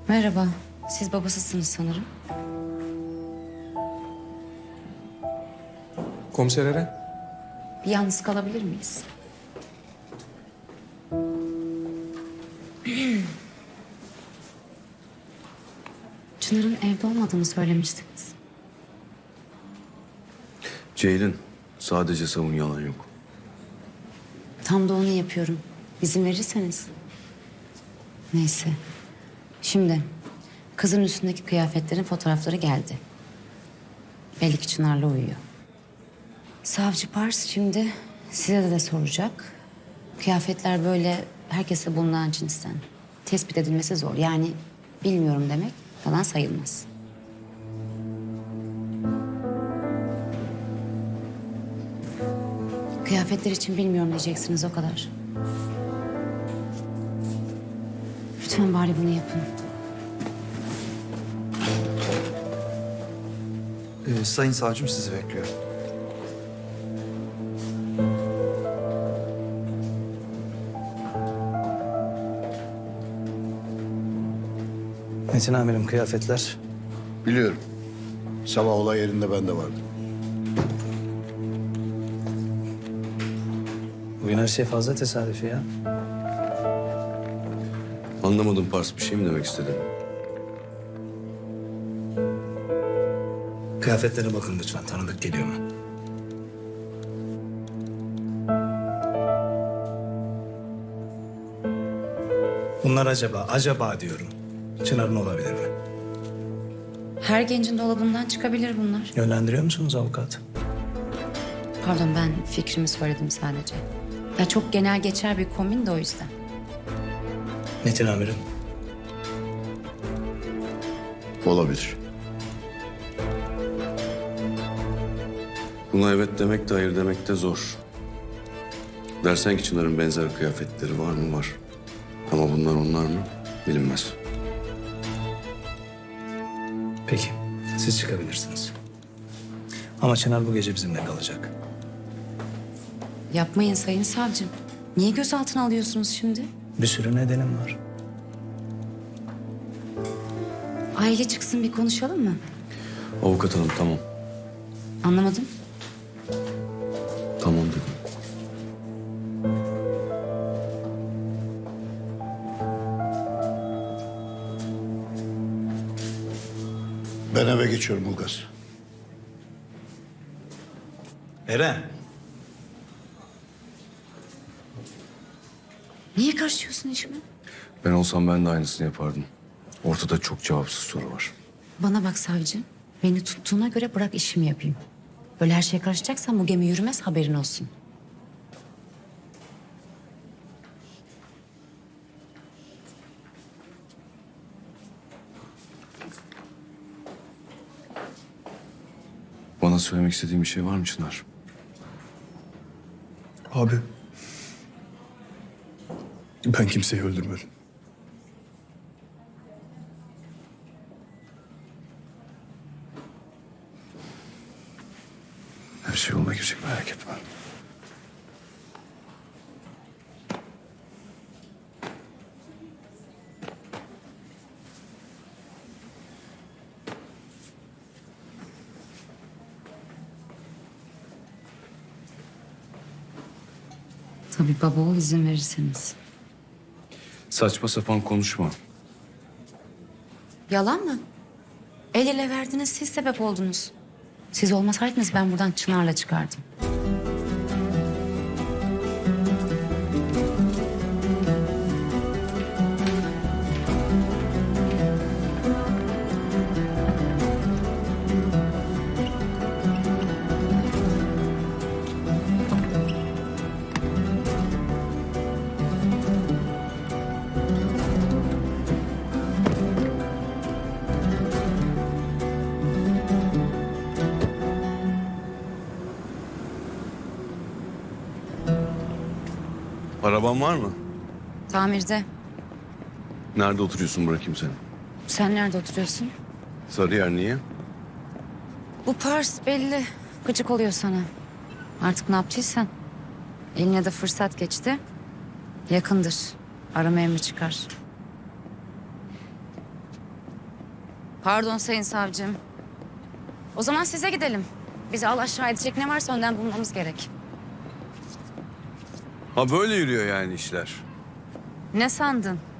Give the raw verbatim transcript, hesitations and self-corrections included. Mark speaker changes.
Speaker 1: Merhaba. Siz babasısınız sanırım.
Speaker 2: Komiser Eren.
Speaker 1: Bir yalnız kalabilir miyiz? Çınar'ın evde olmadığını söylemiştiniz.
Speaker 3: Ceylin, sadece savun, yalan yok.
Speaker 1: Tam da onu yapıyorum. İzin verirseniz. Neyse. Şimdi kızın üstündeki kıyafetlerin fotoğrafları geldi. Belli ki Çınar'la uyuyor. Savcı Pars şimdi size de, de soracak. Kıyafetler böyle herkese bulunan cinsten. Tespit edilmesi zor. Yani bilmiyorum demek falan sayılmaz. Kıyafetler için bilmiyorum diyeceksiniz, o kadar. Lütfen bari bunu yapın.
Speaker 4: Ee, sayın savcım sizi bekliyor.
Speaker 5: Metin amirim, kıyafetler.
Speaker 6: Biliyorum. Sabah olay yerinde ben de vardım.
Speaker 5: Bugün her şey fazla tesadüfi ya.
Speaker 3: Anlamadım Pars, bir şey mi demek istedin?
Speaker 5: Kıyafetlere bakın lütfen, tanıdık geliyor mu? Bunlar acaba, acaba diyorum. Çınar'ın olabilir mi?
Speaker 1: Her gencin dolabından çıkabilir bunlar.
Speaker 5: Yönlendiriyor musunuz avukat?
Speaker 1: Pardon, ben fikrimi söyledim sadece. Ya çok genel geçer bir kombin de o yüzden.
Speaker 5: Metin amirim.
Speaker 6: Olabilir.
Speaker 3: Buna evet demek de hayır demek de zor. Dersen ki Çınar'ın benzer kıyafetleri var mı? Var. Ama bunlar onlar mı? Bilinmez.
Speaker 5: Peki, siz çıkabilirsiniz. Ama Çınar bu gece bizimle kalacak.
Speaker 1: Yapmayın sayın savcım. Niye gözaltına alıyorsunuz şimdi?
Speaker 5: Bir sürü nedenim var.
Speaker 1: Aile çıksın, bir konuşalım mı?
Speaker 3: Avukat hanım, tamam.
Speaker 1: Anlamadım.
Speaker 3: Tamam dedim.
Speaker 6: Ben eve geçiyorum Ulgaz.
Speaker 5: Eren.
Speaker 1: Niye karışıyorsun işime?
Speaker 3: Ben olsam ben de aynısını yapardım. Ortada çok cevapsız soru var.
Speaker 1: Bana bak savcı. Beni tuttuğuna göre bırak işimi yapayım. Böyle her şeye karışacaksan bu gemi yürümez, haberin olsun.
Speaker 3: Bana söylemek istediğin bir şey var mı Çınar?
Speaker 2: Abi. Ben kimseyi öldürmedim.
Speaker 3: Her şey yoluna girecek, merak etme.
Speaker 1: Tabii baba oğul izin verirseniz.
Speaker 3: Saçma sapan konuşma.
Speaker 1: Yalan mı? El ele verdiniz, siz sebep oldunuz. Siz olmasaydınız ben buradan Çınar'la çıkardım.
Speaker 3: Araban var mı?
Speaker 1: Tamirde.
Speaker 3: Nerede oturuyorsun, bırakayım seni?
Speaker 1: Sen nerede oturuyorsun?
Speaker 3: Sarıyer, niye?
Speaker 1: Bu Pars belli. Gıcık oluyor sana. Artık ne yaptıysan. Eline de fırsat geçti. Yakındır. Arama emri çıkar. Pardon sayın savcım. O zaman size gidelim. Bizi al aşağı edecek ne varsa önden bulmamız gerek.
Speaker 3: Ha böyle yürüyor yani işler.
Speaker 1: Ne sandın?